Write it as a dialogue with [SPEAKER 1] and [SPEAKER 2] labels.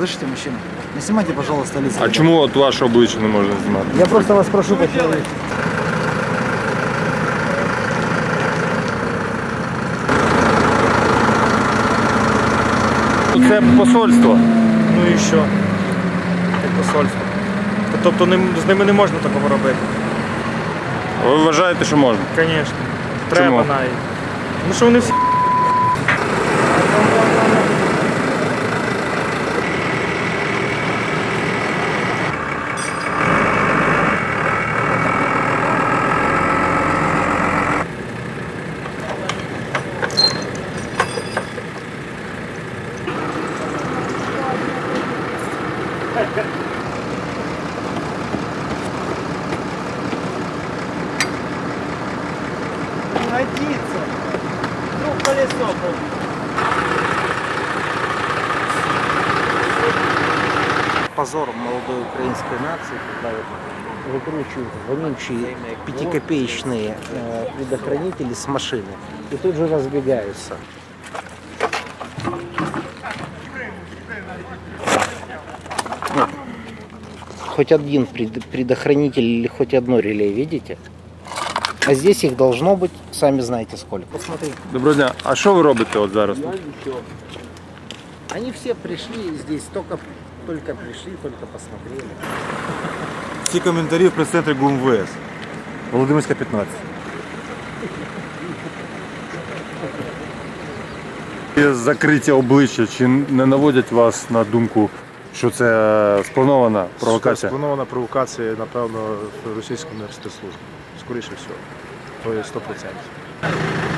[SPEAKER 1] Слышите, мужчина? Не снимайте, пожалуйста, лица.
[SPEAKER 2] А чому от ваше обличчя не можна знімати?
[SPEAKER 1] Я просто вас прошу по-человечески.
[SPEAKER 2] Це посольство.
[SPEAKER 3] Ну і що? Як посольство. Тобто з ними не можна такого робити.
[SPEAKER 2] Ви вважаєте, що можна?
[SPEAKER 3] Звісно. Треба навіть. Ну що вони всі.
[SPEAKER 1] Годится. Ну, колесо. Позор молодой украинской нации, когда вот выкручивают вонючие пятикопеечные предохранители с машины и тут же разбегаются. Вот. Хоть один предохранитель или хоть одно реле, видите? А здесь их должно быть, сами знаете сколько. Посмотри.
[SPEAKER 2] Доброго дня. А що ви робите от зараз?
[SPEAKER 1] Они все пришли здесь, только пришли, только посмотрели.
[SPEAKER 4] Всі коментарі в прес-центрі ГУМВС. Володимирська, 15.
[SPEAKER 2] Закриття обличчя, чи не наводять вас на думку, що це спланована провокація?
[SPEAKER 5] Спланована провокація, напевно, російської спецслужби. Скоріше всього. То є 100%.